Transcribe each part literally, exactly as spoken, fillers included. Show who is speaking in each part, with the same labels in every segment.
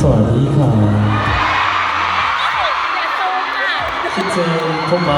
Speaker 1: สวัสดีค่ะคิดถึงผมไหม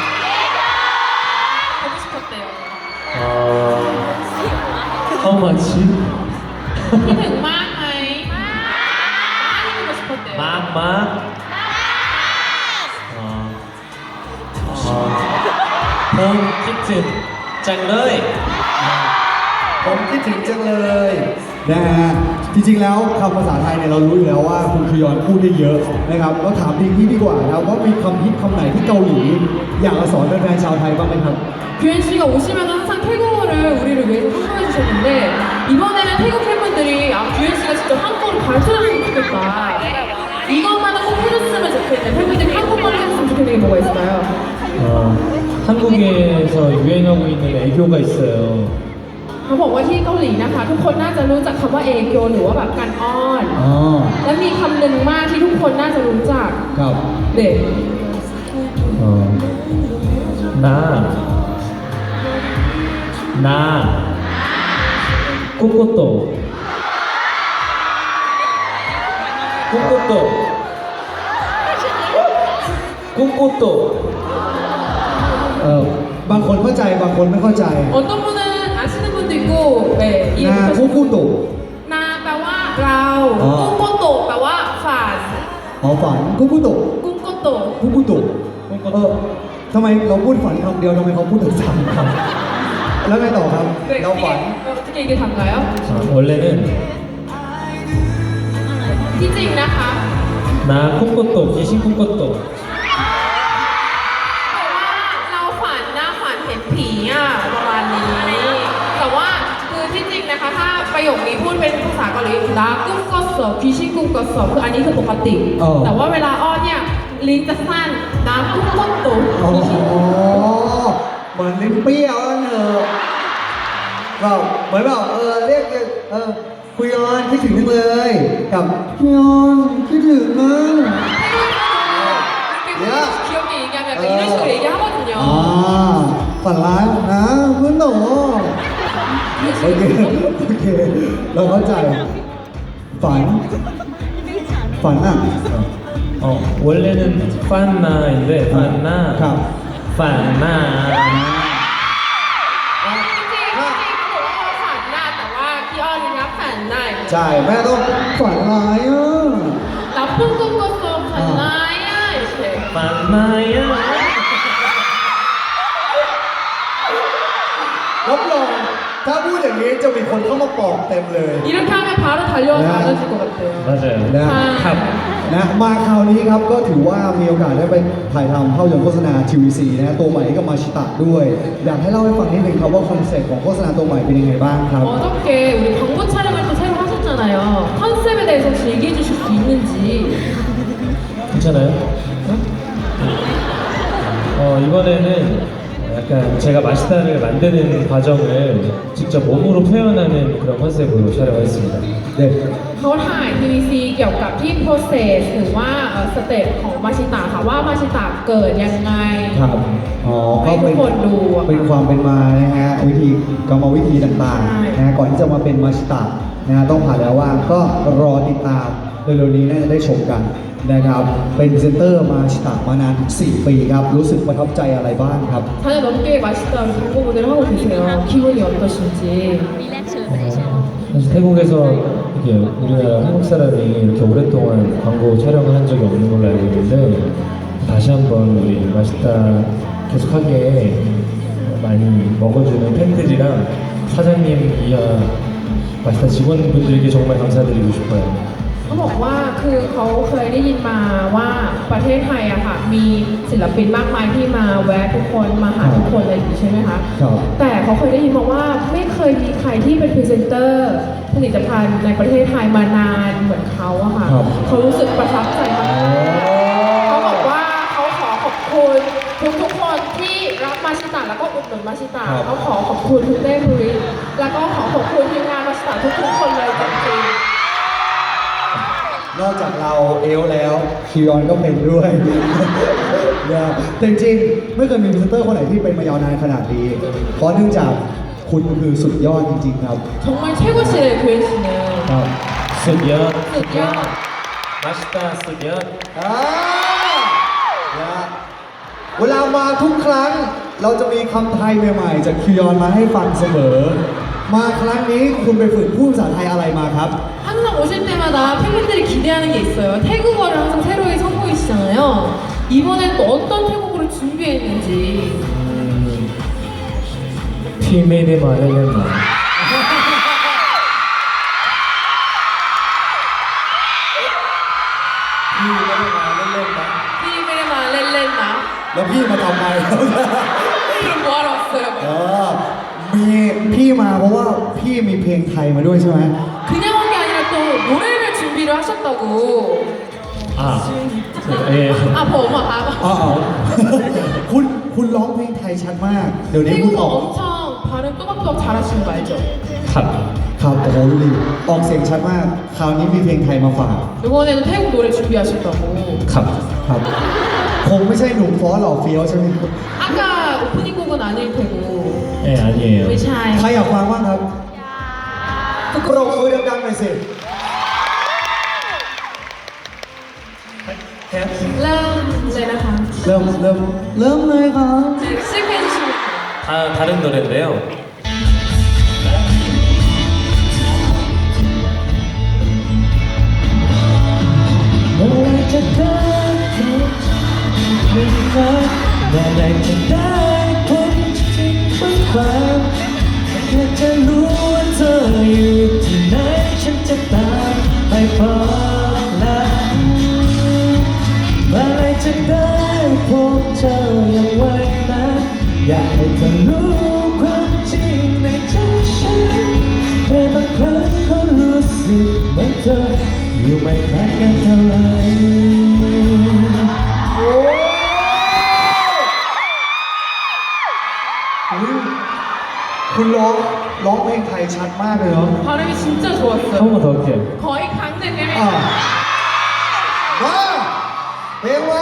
Speaker 2: 하고 싶었대요.
Speaker 1: เอ่อ how much
Speaker 2: คิดถึงมากไหมมากที่보고 싶었대요.
Speaker 1: มากมากเอ่อเอ่อผมคิดถึงจังเลย
Speaker 3: ผมคิดถึงจังเลยนะฮะจริงๆแล้วคำภาษาไทยเนี่ยเรารู้อยู่แล้วว่าคุณคยอนพูดได้เยอะนะครับก็ถามดีที่ดีกว่านะครับว่ามีคำฮิตคำไหนที่เกาหลีอยากมาสอนแฟนๆชาวไทยบ้างไหมครับ
Speaker 2: 규현 씨가 오시면 항상 태국어를 우리를 위해서 선보여 주셨는데 이번에는 태국 팬분들이 아 규현 씨가 직접 한국어를 가르쳐줬으면 좋겠다. 이것만은 꼭 해줬으면 좋겠는 팬분들이 한국어를 해줬으면 좋겠는 게 뭐가 있을까요?
Speaker 1: 어, 한국에서 유행하고 있는 애교가 있어요.
Speaker 2: เขาบอกว่าที่เกาหลีนะคะ ทุกคนน่าจะรู้จักคำว่าเอโกหรือว่าแบบการอ้อน
Speaker 3: อ๋อ
Speaker 2: และมีคำหนึ่งมากที่ทุกคนน่าจะรู้จัก
Speaker 3: ครับ
Speaker 2: เด็ก
Speaker 1: 어, 나, 나, 꼬꼬또, 꼬꼬또, 꼬꼬또.
Speaker 3: เออบางคนเข้าใจบางคนไม่เข้าใจ
Speaker 2: 어떤 분은 아시는 분도 있고 네,
Speaker 3: นา
Speaker 2: 이해하시는
Speaker 3: คุกุตุ
Speaker 2: นาแปลว่าเรา
Speaker 3: อ๋อ
Speaker 2: กุ้งโกโตะแปลว่าฝัน
Speaker 3: อ๋อฝันคุกุตุ
Speaker 2: กุ้งโกโตะ
Speaker 3: คุกุตุเออทำไมเราพูดฝันคำเดียวทำไมเขาพูดถึงสามคำแล้วไงต่อครับ
Speaker 2: 네,
Speaker 3: เราฝัน
Speaker 2: 이게 어떻게 이게 단가요?
Speaker 1: 아, 원래는
Speaker 2: ที่จริงนะคะ
Speaker 1: 나 꼬꼬또, 귀신 꼬꼬또.
Speaker 2: แต่ว่าเราฝันหน้าฝันเห็นผีอ่ะประมาณนี้ แต่ว่าคือที่จริงนะคะ ถ้าประโยคนี้พูดเป็นภาษาเกาหลีนะกุ้งก็สอบผีชิกุ้งก็สอบคืออันนี้คือปกติ แต่ว่าเวลาอ้อนเนี่ยลิ้นจะสั้นน้ำกุ้งก็ตุ่
Speaker 3: อ๋อเหมือนลิ้นเปรี้ยวนั่นเถอะก็เหมือนแบบเออเรียกเออคุยกันคิดถึงจังเลยกับคุยกันคิดถึงนะ
Speaker 2: 이렇게 귀엽게 얘기하면 약간 이런 식으로 얘기하거든요.
Speaker 3: อ่าฝันร้ายนะเพื่อนหนูโอเคโอเคเราเข้าใจฝันฝันอ่ะ
Speaker 1: 어, 원래는 판나인데 판나,
Speaker 3: 가.
Speaker 1: 판나.
Speaker 2: จริงๆจริงๆเขาบอกว่าฝันหน้าแต่ว่าพี่อ้อนรับฝันหน้า
Speaker 3: ใช่แม่ต้องฝันร้ายอ่ะ
Speaker 2: รับพุ่งกุ้งก็โตฝันหน้าอ่ะเฉย
Speaker 1: 판나야.
Speaker 3: รับรองถ้าพูดอย่างนี้จะมีคนเข้ามาปลอบเต็มเลย
Speaker 2: 이렇게 하면 바로 달려와서 알려줄 것 같아요.
Speaker 1: 맞아요.
Speaker 3: นะ
Speaker 1: 탑.
Speaker 3: นะมาคราวนี้ครับก็ถือว่ามีโอกาสได้ไปถ่ายทำภาพยนตร์โฆษณา ที วี ซี นะตัวใหม่ให้กับมาชิตะด้วย อยากให้เล่าให้ฟังนิดนึงครับว่าคอนเซ็ปต์ของโฆษณาตัวใหม่เป็นยังไงบ้างครับ
Speaker 2: 어저께 우리 광고 촬영을 또 새로 하셨잖아요. 컨셉에 대해서 혹시 얘기해 주실 수 있는지.
Speaker 1: 괜찮아요? 어, 이번에는 약간 제가 마시다를 만드는 과정을 직접 몸으로 표현하는 그런 컨셉으로 촬영했습니다.
Speaker 3: เด็ก
Speaker 2: เขาถ่าย ที วี ซี เกี่ยวกับที่ process หรือว่าสเต็ปของมาชิตะค่ะว่ามาชิตะเกิดยังไง
Speaker 3: ครับอ๋อก็
Speaker 2: ให้ทุ
Speaker 3: เป็
Speaker 2: ก
Speaker 3: น
Speaker 2: คนดูอะ
Speaker 3: เป็นความเป็นมานะฮะวิธีกรรมวิธีต่าง
Speaker 2: ใช่
Speaker 3: ๆนะฮะก่อนที่จะมาเป็นมาชิตะนะฮะต้องผ่านแล้วว่าก็รอติดตามเร็วๆนี้น่าจะได้ชมกันนะครับเป็นพรีเซนเตอร์มาชิตะมานานถึงสี่ปีครับรู้สึกประทับใจอะไรบ้างครับ
Speaker 2: 사 년 넘게 마시다 광고 모델을 하고 계세요. 기분이 어떠신지.
Speaker 1: 어, 사실 태국에서 이게 우리나라 한국 사람이 이렇게 오랫동안 광고 촬영을 한 적이 없는 걸로 알고 있는데 다시 한번 우리 맛있다 계속하게 많이 먹어주는 팬들이랑 사장님 이하 맛있다 직원분들에게 정말 감사드리고 싶어요.
Speaker 2: เขาบอกว่าคือเขาเคยได้ยินมาว่าประเทศไทยอะค่ะมีศิลปินมากมายที่มาแวะทุกคนมาหาทุกคนอะไรอย่างนี้ใช่ไหมคะ
Speaker 3: ครับ
Speaker 2: แต่เขาเคยได้ยินมาว่าไม่เคยมีใครที่เป็นพรีเซนเตอร์ผลิตภัณฑ์ในประเทศไทยมานานเหมือนเขาอะค่ะ
Speaker 3: ครับ
Speaker 2: เขารู้สึกประทับใจมากเขาบอกว่าเขาขอขอบคุณทุกทุกๆคนที่รับมาชิตะแล้วก็อุดหนุนมาชิตะ
Speaker 3: ครับ
Speaker 2: เขาขอขอบคุณทุกเต้ภูริแล้วก็ขอขอบคุณทีมงานมาชิตะทุกๆคนเลยจริงๆ
Speaker 3: นอกจากเราเอลแล้วคิยอนก็เป็นด้วย นะแต่จริงๆไม่เคยมีพรีเซนเตอร์คนไหนที่เป็นมายาวนานขนาดนี้เพราะเนื่องจากคุณคือสุดยอดจริงๆครับ
Speaker 2: 정말 최고시래요, 교현 씨는.
Speaker 3: ครับ
Speaker 1: สุดยอด
Speaker 2: สุดยอด
Speaker 1: 맛있다 쓰면
Speaker 3: อ่านะฮะเวลามาทุกครั้งเราจะมีคำไทยใหม่ๆจากคิวยอนมาให้ฟังเสมอ มาครั้งนี้คุณไปฝึกพูดภาษาไทยอะไรมาครับ
Speaker 2: 항상 오실 때마다 팬분들이 기대하는 게 있어요. 태국어를 항상 새로이 선보이시잖아요. 이번엔 또 어떤 태국어를 준비했는지.
Speaker 1: 음, 피메이데마 렐렌마
Speaker 2: 피메레마 렐렌나.
Speaker 3: แล้วพี่มาทำไม
Speaker 2: 이걸 뭐하러 왔어요?
Speaker 3: เออมีพี่มาเพราะว่าพี่มีเพลงไทยมาด้วยใช่ไหม
Speaker 2: 그냥 온 게 아니라 또 노래를 준비를 하셨다고.
Speaker 1: 아, 예.
Speaker 2: 아, 뭐, 뭐, 아,
Speaker 3: อ๋อคุณคุณร้องเพลงไทยชัดมาก เดี๋ยวนี้คุณอ
Speaker 2: 태국어
Speaker 3: อก
Speaker 2: 엄청 발음 또박또박 잘하시는 거 알죠?
Speaker 1: 탑.
Speaker 3: ครับโอ้โหดูดิออกเสียงชัดมาก คราวนี้มีเพลงไทยมาฝาก
Speaker 2: 이번에는 태국 노래 준비하셨다고.
Speaker 1: 탑.
Speaker 3: ครับคงไม่ใช่หนุ่มฟ้อหล่อเฟี้ยวใช่ไหมครับ
Speaker 2: 아까 오프닝 곡은 아닐 테고.
Speaker 1: 예, 아니에요.
Speaker 2: ไม่ใช่
Speaker 3: ใครอยากฟังบ้างครับปรบมือดังๆหน่อยสิ
Speaker 2: เริ่มเลยนะคะ
Speaker 3: เริ่มเริ่มเริ่มเลยครับ
Speaker 2: 네, 시작해 주시면 돼요.
Speaker 1: 다 다른 노래인데요. 너를 찾아 본진 밤แค่จะรู้ว่าเธออยู่ที่ไหนฉันจะตามไปบอกรักเมื่อไรจะได้พบเธออย่างไวนะอยากให้เธอรู้ความจริงในใจฉันแต่บางครั้งก็รู้สึกเหมือนเธออยู่ไม่ไกลกันเท่าไหร่
Speaker 3: โอ้อุ๊ยคุณร้องร้องเพลงไทยชัดมากเลยเนาะ
Speaker 2: 발음이 진짜 좋았어요.
Speaker 1: 한 번 더 할게요.
Speaker 2: 거의 강릉
Speaker 3: อ่า
Speaker 2: 레벨.
Speaker 3: ว่าเพลงว่า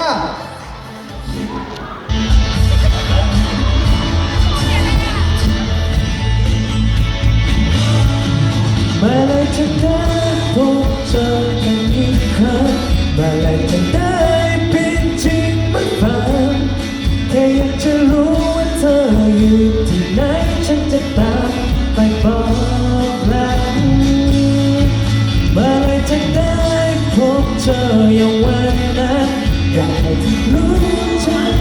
Speaker 1: เมื่อไรจะได้พบเจอกันอีกครั้งเมื่อไรจะได้เป็นจริงเหมือนฝันแค่อยากจะรู้ว่าเธออยู่ที่ไหนฉันจะตามไปบอกรักเมื่อไรจะได้พบเจออย่างวันนั้นอยากให้เธอรู้ฉัน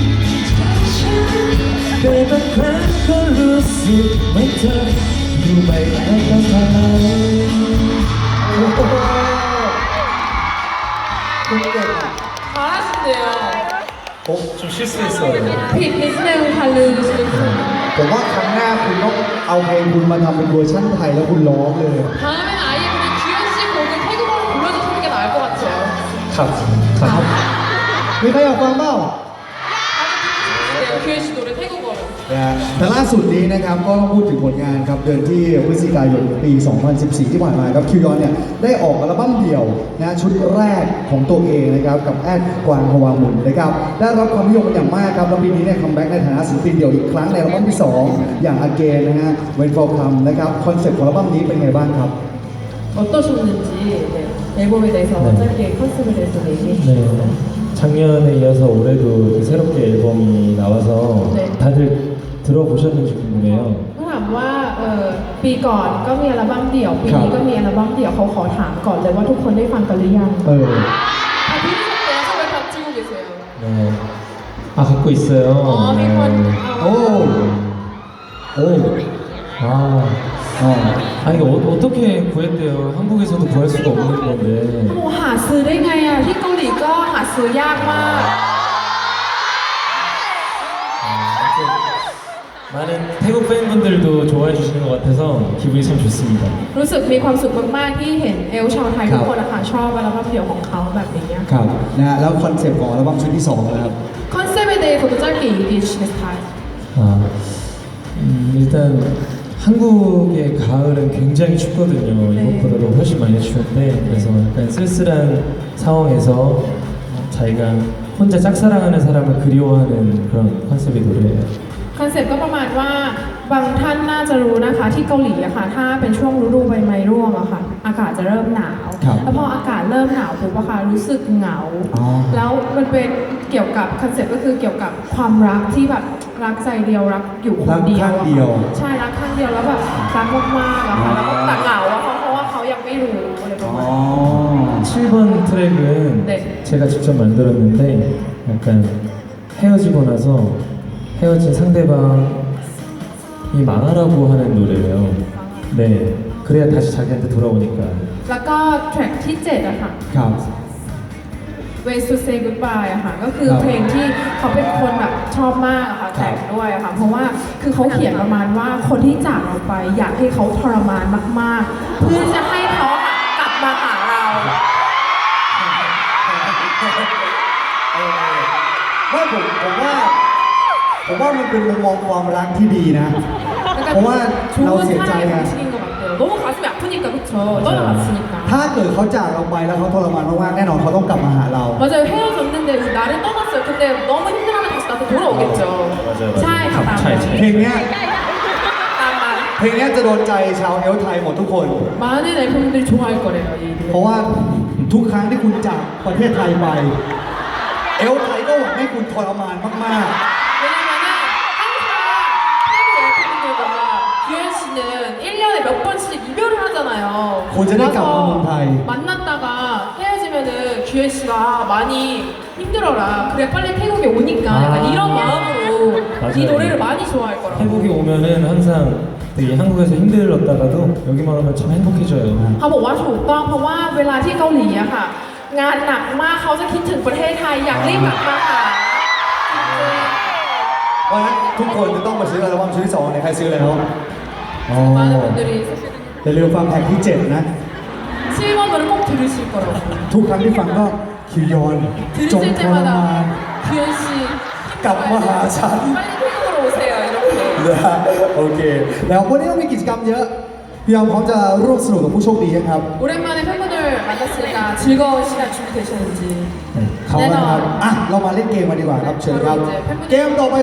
Speaker 1: แต่บางครั้งก็รู้สึกเหมือนเธออยู่ไม่ไกลกันเท่าไหร่
Speaker 3: โอ้โหคุณเก่ง
Speaker 2: 잘하신대요.
Speaker 1: 어? 좀 실수했어요.
Speaker 2: 피 비스네우 발음 주시면
Speaker 3: ผมว่าครั้งหน้าคุณต้องเอาเพลงคุณมาทำเป็นเวอร์ชันไทยแล้วคุณร้องเลย
Speaker 2: 다음엔 아예 그냥 규현 씨 곡을 태국어로 불러주시는 게 나을 것 같아요.
Speaker 1: 탑. 탑.
Speaker 3: มีใครอยากฟังเปล่า
Speaker 2: 네, 규현 씨 노래 태국어로.
Speaker 3: นะฮะแต่ล่าสุดนี้นะครับก็ต้องพูดถึงผลงานครับเดือนที่พฤศจิกายนปี สองพันสิบสี่ ที่ผ่านมาครับคิวยอนเนี่ยได้ออกอัลบั้มเดี่ยวนะชุดแรกของตัวเองนะครับกับแอดกวางฮวามุนนะครับได้รับความนิยมเป็นอย่างมากครับแล้วปีนี้เนี่ยคัมแบ็กในฐานะศิลปินเดี่ยวอีกครั้งในอัลบั้มที่สองอย่าง Again นะฮะ When For Come นะครับคอนเซ็ปต์ของอัลบั้มนี้เป็นไงบ้างครับ
Speaker 2: 어떠셨는지 네, 앨범에 대해서
Speaker 1: 네.
Speaker 2: 짧게 컨셉에 대해서 얘기해 주세요.
Speaker 1: 네. 작년에 이어서 올해도 이렇게 새롭게 앨범이 나와서
Speaker 2: 네.
Speaker 1: 다들 들어보셨는지 궁금해요.
Speaker 2: ถ้าถามว่าเออปีก่อนก็มีอัลบั้มเดี่ยวปีนี้ก็มีอัลบั้มเดี่ยวเขาขอถามก่อนเลยว่าทุกคนได้ฟังกันหรือยัง
Speaker 3: เออ
Speaker 2: 아 들으셨대요? 왜 다 찍고 계세요?
Speaker 1: 네. 아 갖고 있어요.
Speaker 2: 어,
Speaker 1: 네.
Speaker 2: 이건
Speaker 3: โอ้โอ้
Speaker 1: 아,
Speaker 3: อ๋อ
Speaker 1: 아 이거 어, 어떻게 구했대요? 한국에서도 구할 수가 없는 건데.
Speaker 2: โอ้หาซื้อได้ไงอ่ะที่เกาหลีก็หาซื้อยากมาก
Speaker 1: 아, 아무튼 많은 태국 팬분들도 좋아해 주시는 것 같아서 기분이 참 좋습니다.
Speaker 2: รู้สึกมีความสุขมากๆที่เห็นเอลชาวไทยทุกคนนะคะชอบอัลบั้มเดี่ยวของเขาแบบนี้
Speaker 3: ครับนะฮะแล้วคอนเซ็ปต์ของอัลบั้มชุดที่สองนะครับ
Speaker 2: 컨셉에 대해서도 짧게 얘기해 주시겠어요?
Speaker 1: 아, 음, 일단 한국의 가을은 굉장히 춥거든요.
Speaker 2: 네.
Speaker 1: 이것보다도 훨씬 많이 추운데 그래서 약간 쓸쓸한 상황에서 자기가 혼자 짝사랑하는 사람을 그리워하는 그런 컨셉의 노래예요.
Speaker 2: คอนเซ็ปต์ก็ประมาณว่าบางท่านน่าจะรู้นะคะที่เกาหลีอะค่ะถ้าเป็นช่วงฤดูใบไม้ร่วงอะค่ะอากาศจะเริ่มหนาว
Speaker 3: ครับ
Speaker 2: แล้วพออากาศเริ่มหนาวปุ๊บอะค่ะรู้สึกเหงา
Speaker 3: อ๋อ
Speaker 2: แล้วมันเป็นเกี่ยวกับคอนเซ็ปต์ก็คือเกี่ยวกับความรักที่แบบรักใจเดียวรักอยู่คนเดียว
Speaker 3: รักข้าง
Speaker 2: อะ
Speaker 3: เดียว
Speaker 2: ค่ะใช่รักข้างเดียวแล้วแบบรักมากๆอะค่ะแล้วก็แต่เหงาอะเพราะเพราะว่าเขายังไม่รู้อะไรประ
Speaker 3: อ๋
Speaker 2: มา
Speaker 3: อ
Speaker 2: ณ
Speaker 1: 칠 번 트랙은
Speaker 2: 네.
Speaker 1: 제가 직접 만들었는데 약간 헤어지고 나서 헤어진 상대방이 망하라고 하는 노래예요. 네, 그래야 다시 자기한테 돌아오니까.
Speaker 2: แล้วก็แทร็กที่เจ็ดอะค่ะ
Speaker 3: ครับ
Speaker 2: Ways to Say Goodbye อะค่ะก็คือ
Speaker 3: ครับ
Speaker 2: เพลงที่เขาเป็นคนแบบชอบมากอะค่ะแต่งด้วยอะค่ะเพราะว่าคือเขาเขียนประมาณว่าคนที่จากเราไปอยากให้เขาทรมานมากๆ เพื่อจะให้เขาอะกลับมาหาเรา
Speaker 3: ไม่ผมผมว่าผมว่ามันเป็นมุมมองความรักที่ดีนะ เพราะว่าเรา
Speaker 2: 좋은
Speaker 3: เสียใจ
Speaker 2: 사랑의
Speaker 3: ไง
Speaker 2: 방식인 것 같아요. 너무 가슴이 아프니까 그쵸? 떠나갔으니까.
Speaker 3: ถ้าเกิดเขาจากเราไปแล้วเขาทรมานมากๆแน่นอนเขาต้องกลับมาหาเรา
Speaker 2: 맞아요. 헤어졌는데 나를 떠났어요. 근데 너무 힘들어하면 다시 나한테 돌아오겠죠.
Speaker 1: 맞아요, 맞아요.
Speaker 2: ใช่ค่ะตาม
Speaker 1: ใช่
Speaker 2: นั้น
Speaker 1: ใช่
Speaker 3: เพลงเนี้ย
Speaker 2: ตามนั้น
Speaker 3: เพลงเนี้ยจะโดนใจชาวเอลไทยหมดทุกคน
Speaker 2: 많은 앨범들이 좋아할 거래요. 이
Speaker 3: เพราะ
Speaker 2: 노래.
Speaker 3: ว่าทุกครั้งที่คุณจากประเทศไทยไป เอลไทยก็หวังให้คุณทรมานมาก
Speaker 2: 왜냐면은 항상 태국 앨범들과 규현 씨는 일 년에 몇 번씩 이별을 하잖아요.
Speaker 3: 고전에
Speaker 2: 와서
Speaker 3: 깜깜한 타이.
Speaker 2: 만났다가 헤어지면은 규현 씨가 많이 힘들어라. 그래 빨리 태국에 오니까 약간
Speaker 1: 아.
Speaker 2: 이런 마음으로 이
Speaker 1: 맞아요.
Speaker 2: 노래를 많이 좋아할 거라고.
Speaker 1: 태국에 오면은 항상 되게 한국에서 힘들었다가도 여기만 오면 참 행복해져요.
Speaker 2: เขาบอกว่าถูกต้องเพราะว่าเวลาที่เกาหลีอะค่ะ งานหนักมากเขาจะคิดถึงประเทศไทยอยากรีบกลับมาหา
Speaker 3: ๆ เพราะฉะนั้นทุกคนจะต้องมาซื้ออัลบั้มชุดที่สองในใครซื้อแล้วอ๋อ
Speaker 2: 많은 분들이
Speaker 3: อย่าลืมฟังแท็กที่เจ็ดนะ
Speaker 2: 칠 번으로 꼭 들으실 거라고
Speaker 3: ทุกครั้งที่ฟังก็คิวยอนจง
Speaker 2: 들으실
Speaker 3: ทรมาน
Speaker 2: 때마다 규현 씨
Speaker 3: กลับมาหาฉัน
Speaker 2: 빨리 태국으로 오세요 이렇게
Speaker 3: นะฮะโอเค แล้ววันนี้เรามีกิจกรรมเยอะ พี่ยอมพร้อมจะร่วมสนุกกับผู้โชคดียังครับ
Speaker 2: 오랜만에 팬분들 만났으니까 즐거운 시간 준비되셨는지
Speaker 3: เขานะครับ อ่ะ เรามาเล่นเกมมาดีกว่าครับ เชิญครับ เกมต่อไป